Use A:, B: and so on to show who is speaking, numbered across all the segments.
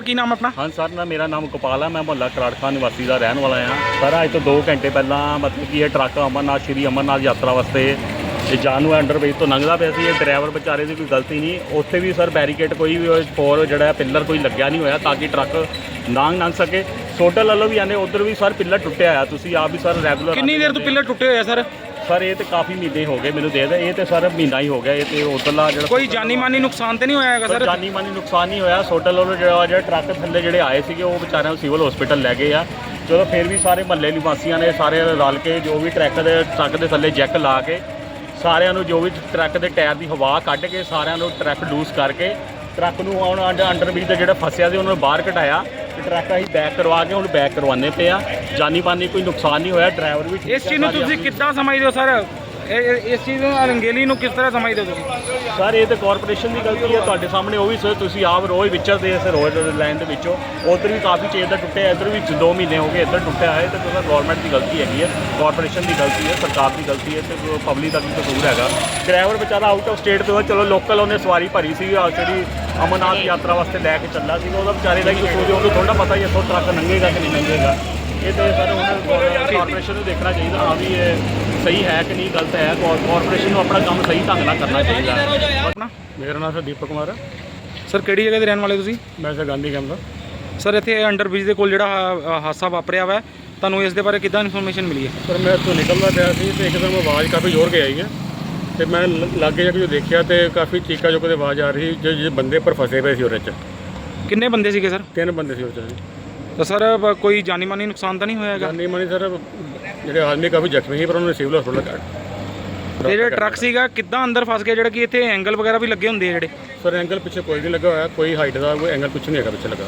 A: ਕੀ ਨਾਮ ਆਪਣਾ?
B: ਹਾਂ ਸਰ ਨਾ ਮੇਰਾ ਨਾਮ ਗੋਪਾਲ ਹੈ। ਮੈਂ ਮੁਹੱਲਾ ਕਰਾੜਖਾਨ ਨਿਵਾਸੀ ਦਾ ਰਹਿਣ ਵਾਲਾ ਹਾਂ ਸਰ। ਅੱਜ ਤੋਂ 2 ਘੰਟੇ ਪਹਿਲਾਂ ਮਤਲਬ ਕਿ ਇਹ ਟਰੱਕ ਅਮਰਨਾਥ ਸ਼੍ਰੀ ਅਮਰਨਾਥ ਯਾਤਰਾ ਵਾਸਤੇ ਇਹ ਜਾਨੂ ਅੰਡਰਬ੍ਰਿਜ ਤੋਂ ਲੰਘਦਾ ਪਿਆ ਸੀ। ਇਹ ਡਰਾਈਵਰ ਵਿਚਾਰੇ ਦੀ ਕੋਈ ਗਲਤੀ ਨਹੀਂ। ਉੱਥੇ ਵੀ ਸਰ ਬੈਰੀਕੇਡ ਕੋਈ ਵੀ ਫੋਰ ਜਿਹੜਾ ਪਿੱਲਰ ਕੋਈ ਲੱਗਿਆ ਨਹੀਂ ਹੋਇਆ ਤਾਂ ਕਿ ਟਰੱਕ ਲੰਘ ਸਕੇ। ਸੋਟਲ ਵੱਲੋਂ ਵੀ ਆਨੇ ਉੱਧਰ ਵੀ ਸਰ ਪਿੱਲਰ ਟੁੱਟਿਆ ਆ। ਤੁਸੀਂ ਆਪ ਵੀ ਸਰ ਰੈਗੂਲਰ
A: ਕਿੰਨੀ ਦੇਰ ਤੋਂ ਪਿੱਲਰ ਟੁੱਟੇ ਹੋਏ ਆ ਸਰ?
B: ਸਰ ਇਹ ਤੇ ਕਾਫੀ ਮਹੀਨੇ ਹੋ ਗਏ ਮੈਨੂੰ ਦੇ ਇਹ ਤੇ ਸਰ ਮਹੀਨਾ ਹੀ ਹੋ ਗਿਆ। ਇਹ ਤੇ ਉੱਧਰਲਾ ਜਿਹੜਾ
A: ਕੋਈ ਜਾਨੀ ਮਾਨੀ ਨੁਕਸਾਨ ਤੇ ਨਹੀਂ ਹੋਇਆ ਹੈਗਾ ਸਰ?
B: ਜਾਨੀ ਮਾਨੀ ਨੁਕਸਾਨ ਨਹੀਂ ਹੋਇਆ। ਸੋਟਲ ਵੱਲੋਂ ਜਿਹੜਾ ਟਰੱਕ ਥੱਲੇ ਜਿਹੜੇ ਆਏ ਸੀਗੇ ਉਹ ਵਿਚਾਰਿਆਂ ਨੂੰ ਸਿਵਲ ਹਸਪੀਟਲ ਲੈ ਗਏ ਆ। ਚਲੋ ਫਿਰ ਵੀ ਸਾਰੇ ਮਹੱਲੇ ਨਿਵਾਸੀਆਂ ਨੇ ਸਾਰੇ ਰਲ ਕੇ ਜੋ ਵੀ ਟਰੱਕ ਦੇ ਥੱਲੇ ਜੈਕ ਲਾ ਕੇ ਸਾਰਿਆਂ ਨੂੰ ਜੋ ਵੀ ਟਰੱਕ ਦੇ ਟਾਇਰ ਦੀ ਹਵਾ ਕੱਢ ਕੇ ਸਾਰਿਆਂ ਨੂੰ ਟਰੱਕ ਲੂਸ ਕਰਕੇ ਟਰੱਕ ਨੂੰ ਹੁਣ ਅੰਡਰਬ੍ਰਿਜ ਦਾ ਜਿਹੜਾ ਫਸਿਆ ਸੀ ਉਹਨਾਂ ਨੂੰ ਬਾਹਰ ਕਢਾਇਆ ਤੇ ਟਰੱਕ ਅਸੀਂ ਬੈਕ ਕਰਵਾ ਕੇ ਹੁਣ ਬੈਕ ਕਰਵਾਉਂਦੇ ਪਏ ਆ। ਜਾਨੀ ਮਾਨੀ ਕੋਈ ਨੁਕਸਾਨ ਨਹੀਂ ਹੋਇਆ। ਡਰਾਈਵਰ ਵੀ ਠੀਕ
A: ਇਸ ਚੀਜ਼ ਨੂੰ ਤੁਸੀਂ ਕਿੱਦਾਂ ਸਮਝਦੇ ਹੋ ਸਰ? ਇਸ ਚੀਜ਼ ਨੂੰ ਰੰਗੇਲੀ ਨੂੰ ਕਿਸ ਤਰ੍ਹਾਂ ਸਮਝਦੇ ਹੋ ਤੁਸੀਂ?
B: ਸਰ ਇਹ ਤਾਂ ਕਾਰਪੋਰੇਸ਼ਨ ਦੀ ਗਲਤੀ ਹੈ। ਤੁਹਾਡੇ ਸਾਹਮਣੇ ਉਹ ਵੀ ਸਰ ਤੁਸੀਂ ਆਪ ਰੋਜ਼ ਵਿਚਰਦੇ ਇਸ ਰੋਜ਼ ਲਾਈਨ ਦੇ ਵਿੱਚੋਂ ਉੱਧਰ ਵੀ ਕਾਫੀ ਚੇਜ਼ ਦਾ ਟੁੱਟਿਆ। ਇੱਧਰ ਵੀ 2 ਮਹੀਨੇ ਹੋ ਗਏ ਇੱਧਰ ਟੁੱਟਿਆ ਹੈ। ਤੇ ਸਰ ਗਵਰਨਮੈਂਟ ਦੀ ਗਲਤੀ ਹੈਗੀ ਹੈ, ਕਾਰਪੋਰੇਸ਼ਨ ਦੀ ਗਲਤੀ ਹੈ, ਸਰਕਾਰ ਦੀ ਗਲਤੀ ਹੈ ਤੇ ਪਬਲਿਕ ਦਾ ਵੀ ਕਸੂਰ ਹੈਗਾ। ਡਰਾਈਵਰ ਵਿਚਾਰਾ ਆਊਟ ਆਫ ਸਟੇਟ ਤੋਂ ਚਲੋ ਲੋਕਲ ਉਹਨੇ ਸਵਾਰੀ ਭਰੀ ਸੀ ਜਿਹੜੀ ਅਮਰਨਾਥ ਯਾਤਰਾ ਵਾਸਤੇ ਲੈ ਕੇ ਚੱਲਾ ਸੀ। ਉਹਦਾ ਵਿਚਾਰੇ ਦਾ ਕੀ ਕਸੂਰ? ਉਹਨੂੰ ਥੋੜ੍ਹਾ ਪਤਾ ਹੀ ਇੱਥੋਂ ਟਰੱਕ ਲੰਘੇਗਾ ਕਿ ਨਹੀਂ ਲੰਘੇਗਾ। ਇਹ ਤਾਂ ਸਰ ਹੁਣ ਕਾਰਪੋਰੇਸ਼ਨ ਨੂੰ ਦੇਖਣਾ ਚਾਹੀਦਾ ਹਾਂ ਵੀ ਇਹ ਸਹੀ ਹੈ ਕਿ ਨਹੀਂ ਗਲਤ ਹੈ। ਕਾਰਪੋਰੇਸ਼ਨ ਨੂੰ ਆਪਣਾ ਕੰਮ ਸਹੀ ਢੰਗ ਨਾਲ ਕਰਨਾ ਚਾਹੀਦਾ।
A: ਆਪਣਾ
B: ਮੇਰਾ ਨਾਮ ਸਰ ਦੀਪਕ ਕੁਮਾਰ ਹੈ।
A: ਸਰ ਕਿਹੜੀ ਜਗ੍ਹਾ ਦੇ ਰਹਿਣ ਵਾਲੇ ਤੁਸੀਂ?
B: ਮੈਂ ਸਰ ਗਾਂਧੀ ਕੈਂਪ ਦਾ।
A: ਸਰ ਇੱਥੇ ਅੰਡਰਬ੍ਰਿਜ ਦੇ ਕੋਲ ਜਿਹੜਾ ਹਾਦਸਾ ਵਾਪਰਿਆ ਵਾ ਤੁਹਾਨੂੰ ਇਸ ਦੇ ਬਾਰੇ ਕਿੱਦਾਂ ਇਨਫੋਰਮੇਸ਼ਨ ਮਿਲੀ ਹੈ?
B: ਸਰ ਮੈਂ ਇੱਥੋਂ ਨਿਕਲਦਾ ਪਿਆ ਸੀ ਅਤੇ ਇੱਕਦਮ ਆਵਾਜ਼ ਕਾਫੀ ਜ਼ੋਰ ਕੇ ਆਈ ਹੈ ਅਤੇ ਮੈਂ ਲਾਗੇ ਜਾ ਕੇ ਜੋ ਦੇਖਿਆ ਅਤੇ ਕਾਫੀ ਚੀਕਾ ਚੁੱਕ ਦੀ ਆਵਾਜ਼ ਆ ਰਹੀ ਜੋ ਬੰਦੇ ਪਰ ਫਸੇ ਪਏ ਸੀ ਉਹਦੇ 'ਚ।
A: ਕਿੰਨੇ ਬੰਦੇ ਸੀਗੇ ਸਰ?
B: 3 ਬੰਦੇ ਸੀ ਉਹਦੇ 'ਚ।
A: ਤਾਂ ਸਰ ਕੋਈ ਜਾਨੀ ਮਾਨੀ ਨੁਕਸਾਨ ਤਾਂ ਨਹੀਂ ਹੋਇਆ ਹੈਗਾ?
B: ਜਾਨੀ ਮਾਨੀ ਸਰ ਜਿਹੜੇ ਆਦਮੀ ਕਾਫੀ ਜ਼ਖਮੀ ਸੀ ਪਰ ਉਹਨਾਂ ਨੇ ਸਿਵਲ ਹਸਪਤਾਲ ਕੱਢ।
A: ਤੇ ਜਿਹੜਾ ਟਰੱਕ ਸੀਗਾ ਕਿੱਦਾਂ ਅੰਦਰ ਫਸ ਗਿਆ ਜਿਹੜਾ ਕਿ ਇੱਥੇ ਐਂਗਲ ਵਗੈਰਾ ਵੀ ਲੱਗੇ ਹੁੰਦੇ ਆ ਜਿਹੜੇ?
B: ਸਰ ਐਂਗਲ ਪਿੱਛੇ ਕੋਈ ਨਹੀਂ ਲੱਗਾ ਹੋਇਆ। ਕੋਈ ਹਾਈਟ ਦਾ ਕੋਈ ਐਂਗਲ ਕੁਛ ਨਹੀਂ ਹੈਗਾ ਪਿੱਛੇ ਲੱਗਾ।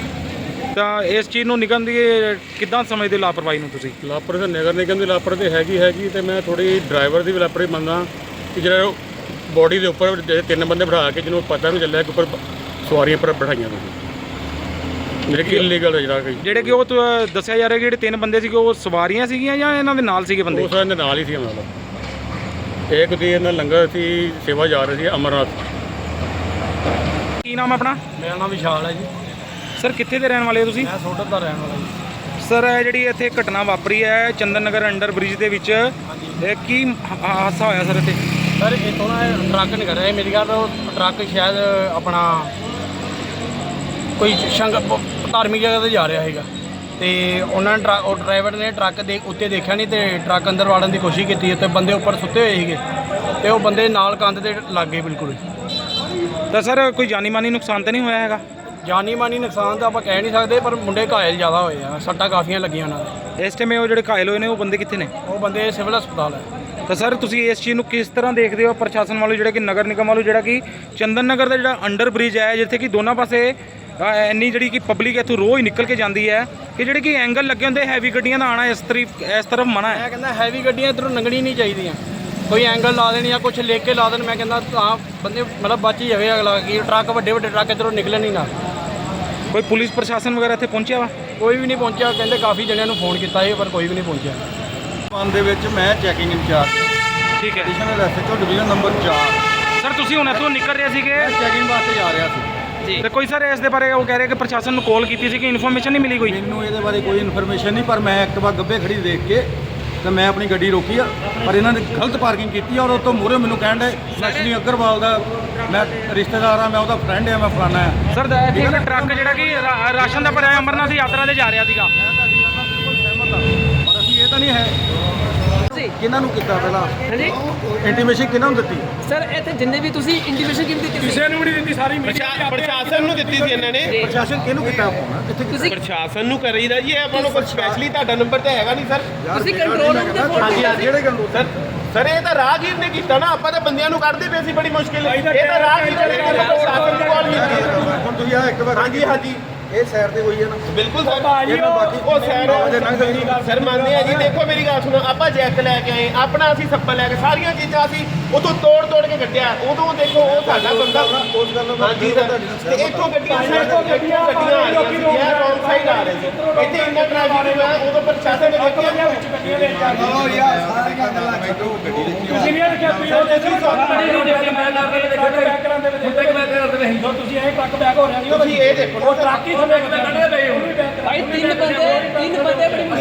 A: ਤਾਂ ਇਸ ਚੀਜ਼ ਨੂੰ ਨਿਗਮ ਦੀ ਕਿੱਦਾਂ ਸਮਝਦੇ ਲਾਪਰਵਾਹੀ ਨੂੰ ਤੁਸੀਂ?
B: ਲਾਪਰਵਾਹੀ ਨਗਰ ਨਿਗਮ ਦੀ ਲਾਪਰਵਾਹੀ ਹੈਗੀ ਅਤੇ ਮੈਂ ਥੋੜ੍ਹੀ ਡਰਾਈਵਰ ਦੀ ਵੀ ਲਾਪਰਵਾਹੀ ਮੰਨਦਾ ਕਿ ਜਿਹੜਾ ਬੋਡੀ ਦੇ ਉੱਪਰ ਜਿਹੜੇ 3 ਬੰਦੇ ਬਿਠਾ ਕੇ ਜਿਹਨੂੰ ਪਤਾ ਨਹੀਂ ਚੱਲਿਆ ਕਿ ਉੱਪਰ ਸਵਾਰੀਆਂ ਪਰ ਬਿਠਾਈਆਂ ਤੁਸੀਂ ਜਿਹੜੇ ਕਿ ਇਲੀਗਲ
A: ਜਿਹੜੇ ਕਿ ਉਹ ਦੱਸਿਆ ਜਾ ਰਿਹਾ ਕਿ ਜਿਹੜੇ 3 ਬੰਦੇ ਸੀਗੇ ਉਹ ਸਵਾਰੀਆਂ ਸੀਗੀਆਂ ਜਾਂ ਇਹਨਾਂ ਦੇ ਨਾਲ ਸੀਗੇ ਬੰਦੇ?
B: ਉਹ ਇਹਨਾਂ ਦੇ ਨਾਲ ਹੀ ਸੀ। ਮਤਲਬ ਇੱਕ ਦੀ ਇਹਨਾਂ ਲੰਗਰ ਸੀ ਸੇਵਾ ਜਾ ਰਹੀ ਸੀ ਅਮਰਨਾਥ।
A: ਕੀ ਨਾਮ ਆਪਣਾ?
C: ਮੇਰਾ ਨਾਮ ਵਿਸ਼ਾਲ ਹੈ ਜੀ।
A: ਸਰ ਕਿੱਥੇ ਦੇ ਰਹਿਣ ਵਾਲੇ ਹੋ ਤੁਸੀਂ?
C: ਮੈਂ ਸੋਡਰ ਦਾ ਰਹਿਣ ਵਾਲਾ ਜੀ।
A: ਸਰ ਇਹ ਜਿਹੜੀ ਇੱਥੇ ਘਟਨਾ ਵਾਪਰੀ ਹੈ ਚੰਦਨ ਨਗਰ ਅੰਡਰ ਬ੍ਰਿਜ ਦੇ ਵਿੱਚ ਇਹ ਕੀ ਹਾਦਸਾ ਹੋਇਆ ਸਰ ਇੱਥੇ?
C: ਸਰ ਇੱਥੋਂ ਨਾ ਟਰੱਕ ਨਹੀਂ ਕਰ ਰਿਹਾ ਮੇਰੀ ਗੱਲ। ਉਹ ਟਰੱਕ ਸ਼ਾਇਦ ਆਪਣਾ ਕੋਈ ਧਾਰਮਿਕ ਜਗ੍ਹਾ 'ਤੇ ਜਾ ਰਿਹਾ ਸੀਗਾ ਅਤੇ ਉਹਨਾਂ ਨੇ ਉਹ ਡਰਾਈਵਰ ਨੇ ਟਰੱਕ ਦੇ ਉੱਤੇ ਦੇਖਿਆ ਨਹੀਂ ਅਤੇ ਟਰੱਕ ਅੰਦਰ ਵਾੜਨ ਦੀ ਕੋਸ਼ਿਸ਼ ਕੀਤੀ ਅਤੇ ਬੰਦੇ ਉੱਪਰ ਸੁੱਤੇ ਹੋਏ ਸੀਗੇ ਅਤੇ ਉਹ ਬੰਦੇ ਨਾਲ ਕੰਧ ਦੇ ਲੱਗ ਗਏ ਬਿਲਕੁਲ।
A: ਤਾਂ ਸਰ ਕੋਈ ਜਾਨੀ ਮਾਨੀ ਨੁਕਸਾਨ ਤਾਂ ਨਹੀਂ ਹੋਇਆ ਹੈਗਾ?
C: ਜਾਨੀ ਮਾਨੀ ਨੁਕਸਾਨ ਤਾਂ ਆਪਾਂ ਕਹਿ ਨਹੀਂ ਸਕਦੇ ਪਰ ਮੁੰਡੇ ਘਾਇਲ ਜ਼ਿਆਦਾ ਹੋਏ ਆ। ਸੱਟਾਂ ਕਾਫੀਆਂ ਲੱਗੀਆਂ ਉਹਨਾਂ ਦੇ।
A: ਇਸ ਟਾਈਮ ਉਹ ਜਿਹੜੇ ਘਾਇਲ ਹੋਏ ਨੇ ਉਹ ਬੰਦੇ ਕਿੱਥੇ ਨੇ?
C: ਉਹ ਬੰਦੇ ਸਿਵਲ ਹਸਪਤਾਲ ਹੈ।
A: ਤਾਂ ਸਰ ਤੁਸੀਂ ਇਸ ਚੀਜ਼ ਨੂੰ ਕਿਸ ਤਰ੍ਹਾਂ ਦੇਖਦੇ ਹੋ ਪ੍ਰਸ਼ਾਸਨ ਵੱਲੋਂ ਜਿਹੜਾ ਕਿ ਨਗਰ ਨਿਗਮ ਵੱਲੋਂ ਜਿਹੜਾ ਕਿ ਚੰਦਨ ਨਗਰ ਦਾ ਜਿਹੜਾ ਅੰਡਰ ਬ੍ਰਿਜ ਹੈ ਜਿੱਥੇ ਕਿ ਦੋਨਾਂ ਪਾਸੇ ਇੰਨੀ ਜਿਹੜੀ ਕਿ ਪਬਲਿਕ ਇੱਥੋਂ ਰੋਜ਼ ਨਿਕਲ ਕੇ ਜਾਂਦੀ ਹੈ ਕਿ ਜਿਹੜੇ ਕਿ ਐਂਗਲ ਲੱਗੇ ਹੁੰਦੇ ਹੈਵੀ ਗੱਡੀਆਂ ਦਾ ਆਉਣਾ ਇਸ ਤਰਫ ਮਨਾ ਹੈ?
C: ਮੈਂ ਕਹਿੰਦਾ ਹੈਵੀ ਗੱਡੀਆਂ ਇੱਧਰੋਂ ਲੰਘਣੀ ਨਹੀਂ ਚਾਹੀਦੀਆਂ। ਕੋਈ ਐਂਗਲ ਲਾ ਦੇਣ ਜਾਂ ਕੁਛ ਲਿਖ ਕੇ ਲਾ ਦੇਣ। ਮੈਂ ਕਹਿੰਦਾ ਤਾਂ ਬੰਦੇ ਮਤਲਬ ਬਚ ਹੀ ਜਾਵੇ ਅਗਲਾ ਕਿ ਟਰੱਕ ਵੱਡੇ ਟਰੱਕ ਇੱਧਰੋਂ ਨਿਕਲਣ ਹੀ ਨਾ।
A: ਕੋਈ ਪੁਲਿਸ ਪ੍ਰਸ਼ਾਸਨ ਵਗੈਰਾ ਇੱਥੇ ਪਹੁੰਚਿਆ ਵਾ?
C: ਕੋਈ ਵੀ ਨਹੀਂ ਪਹੁੰਚਿਆ। ਕਹਿੰਦੇ ਕਾਫੀ ਜਣਿਆਂ ਨੂੰ ਫੋਨ ਕੀਤਾ ਸੀ ਪਰ ਕੋਈ ਵੀ ਨਹੀਂ ਪਹੁੰਚਿਆ।
D: ਮਨ ਦੇ ਵਿੱਚ ਮੈਂ ਚੈਕਿੰਗ ਇੰਚਾਰਜ
A: ਠੀਕ ਹੈ
D: additional SHO division number 4।
A: Sir ਤੁਸੀਂ ਹੁਣ ਇੱਥੋਂ ਨਿਕਲ ਰਹੇ ਸੀਗੇ
D: ਮੈਂ ਚੈਕਿੰਗ ਵਾਸਤੇ ਜਾ ਰਿਹਾ ਸੀ
A: ਜੀ ਤੇ ਕੋਈ ਸਰ ਇਸ ਦੇ ਬਾਰੇ ਉਹ ਕਹਿ ਰਹੇ ਕਿ ਪ੍ਰਸ਼ਾਸਨ ਨੂੰ ਕਾਲ ਕੀਤੀ ਸੀ ਕਿ ਇਨਫੋਰਮੇਸ਼ਨ ਨਹੀਂ ਮਿਲੀ ਕੋਈ?
D: ਮੈਨੂੰ ਇਹਦੇ ਬਾਰੇ ਕੋਈ ਇਨਫੋਰਮੇਸ਼ਨ ਨਹੀਂ ਪਰ ਮੈਂ ਐਕਟਿਵਾ ਗੱਬੇ ਖੜੀ ਦੇਖ ਕੇ ਤੇ ਮੈਂ ਆਪਣੀ ਗੱਡੀ ਰੋਕੀ ਆ ਪਰ ਇਹਨਾਂ ਨੇ ਗਲਤ ਪਾਰਕਿੰਗ ਕੀਤੀ ਔਰ ਉਹ ਤੋਂ ਮੂਹਰੇ ਮੈਨੂੰ ਕਹਿਣ ਦੇ ਨਸ਼ਨੀ ਅਗਰਵਾਲ ਦਾ ਮੈਂ ਰਿਸ਼ਤੇਦਾਰ ਆ, ਮੈਂ ਉਹਦਾ ਫਰੈਂਡ ਆ, ਮੈਂ ਫਲਾਣਾ ਆ।
A: ਸਰ ਇੱਥੇ ਟਰੱਕ ਜਿਹੜਾ ਕਿ ਰਾਸ਼ਨ ਦਾ ਭਰਿਆ ਅਮਰਨਾਥ ਯਾਤਰਾ ਤੇ ਜਾ ਰਿਹਾ ਸੀਗਾ।
D: ਮੈਂ ਤੁਹਾਡੀ ਗੱਲ ਨਾਲ ਬਿਲਕੁਲ ਸਹਿਮਤ ਹਾਂ ਪਰ ਅਸੀਂ ਇਹ ਤਾਂ ਨਹੀਂ ਹੈ ਕਿਹਨਾਂ ਨੂੰ ਕੀਤਾ ਪਹਿਲਾਂ
E: ਹਾਂਜੀ
D: ਇੰਟੀਮੇਸ਼ਨ ਕਿਹਨਾਂ ਨੂੰ ਦਿੱਤੀ?
E: ਸਰ ਇੱਥੇ ਜਿੰਨੇ ਵੀ ਤੁਸੀਂ ਇੰਡੀਵਿਜੂਅਲ ਕਿਵੇਂ ਦਿੱਤੀ ਕਿਸੇ
F: ਨੂੰ ਵੀ ਨਹੀਂ ਦਿੱਤੀ। ਸਾਰੀ ਪ੍ਰਸ਼ਾਸਨ ਨੂੰ ਦਿੱਤੀ ਸੀ ਇਹਨਾਂ ਨੇ।
D: ਪ੍ਰਸ਼ਾਸਨ ਕਿਹਨੂੰ ਕੀਤਾ ਫੋਨ ਇੱਥੇ?
E: ਤੁਸੀਂ
F: ਪ੍ਰਸ਼ਾਸਨ ਨੂੰ ਕਰੀਦਾ ਜੀ। ਇਹ ਆਪਾਂ ਨੂੰ ਕੋਈ ਸਪੈਸ਼ਲੀ ਤੁਹਾਡਾ ਨੰਬਰ ਤਾਂ ਹੈਗਾ ਨਹੀਂ ਸਰ।
E: ਤੁਸੀਂ ਕੰਟਰੋਲ ਰੂਮ ਤੇ ਫੋਨ ਕੀਤਾ
D: ਜਿਹੜੇ ਕੰਟਰੋਲ
F: ਸਰ ਇਹ ਤਾਂ ਰਾਹਗੀਰ ਨੇ ਕੀਤਾ ਨਾ। ਆਪਾਂ ਤਾਂ ਬੰਦਿਆਂ ਨੂੰ ਕੱਢਦੇ ਪਏ ਸੀ ਬੜੀ ਮੁਸ਼ਕਿਲ। ਇਹ ਤਾਂ ਰਾਹਗੀਰ ਨੇ ਪ੍ਰਸ਼ਾਸਨ ਨੂੰ ਕਾਲ ਕੀਤੀ।
D: ਹੁਣ ਤੁਸੀਂ ਆ ਇੱਕ ਵਾਰ
F: ਹਾਂਜੀ ਹਾਂਜੀ
D: ਇਹ ਸਾਈਡ ਤੇ ਹੋਈ ਹੈ ਨਾ
F: ਬਿਲਕੁਲ ਸਰ।
D: ਇਹਨਾਂ ਬਾਕੀ
F: ਉਹ ਸਰ ਮੰਨਦੇ ਆ ਜੀ। ਦੇਖੋ ਮੇਰੀ ਗੱਲ ਸੁਣੋ, ਆਪਾਂ ਜੈਕ ਲੈ ਕੇ ਆਏ ਆਪਣਾ, ਅਸੀਂ ਸੱਪਲ ਲੈ ਕੇ ਸਾਰੀਆਂ ਚੀਜ਼ਾਂ ਅਸੀਂ ਉਤੋਂ ਤੋੜ ਕੇ ਕੱਢਿਆ। ਉਦੋਂ ਦੇਖੋ ਉਹ ਸਾਡਾ ਬੰਦਾ
D: ਉਸ ਗੱਲ ਨੂੰ
F: ਹਾਂਜੀ ਸਰ। ਤੇ ਇੱਥੋਂ ਗੱਡੀਆਂ ਆ ਰਹੀਆਂ ਸੀ, ਇਹ ਰੌਂਗ ਸਾਈਡ ਆ ਰਹੇ ਸੀ। ਇੱਥੇ ਇੰਨਾ ਟ੍ਰੈਫਿਕ ਹੋਇਆ ਉਦੋਂ ਪ੍ਰਸ਼ਾਸਨ ਨੇ ਦੇਖਿਆ
D: ਯਾਰ ਸਾਰੀਆਂ ਗੱਲਾਂ ਛੱਡੋ ਗੱਡੀ
G: ਕਿੰਨੀਆਂ ਲਿਖਿਆ ਤੁਸੀਂ ਉਹ ਦੇਖੋ ਤੁਸੀਂ ਇਹ ਟਰੱਕ ਬੈਕ ਹੋ ਰਿਹਾ ਜੀ
F: ਤੁਸੀਂ ਇਹ ਦੇਖੋ
G: ਉਹ ਟਰੱਕ ਹੀ ਥੱਲੇ ਕੱਢੇ ਪਏ ਹੋ
E: ਭਾਈ ਤਿੰਨ ਬੰਦੇ ਬੜੀ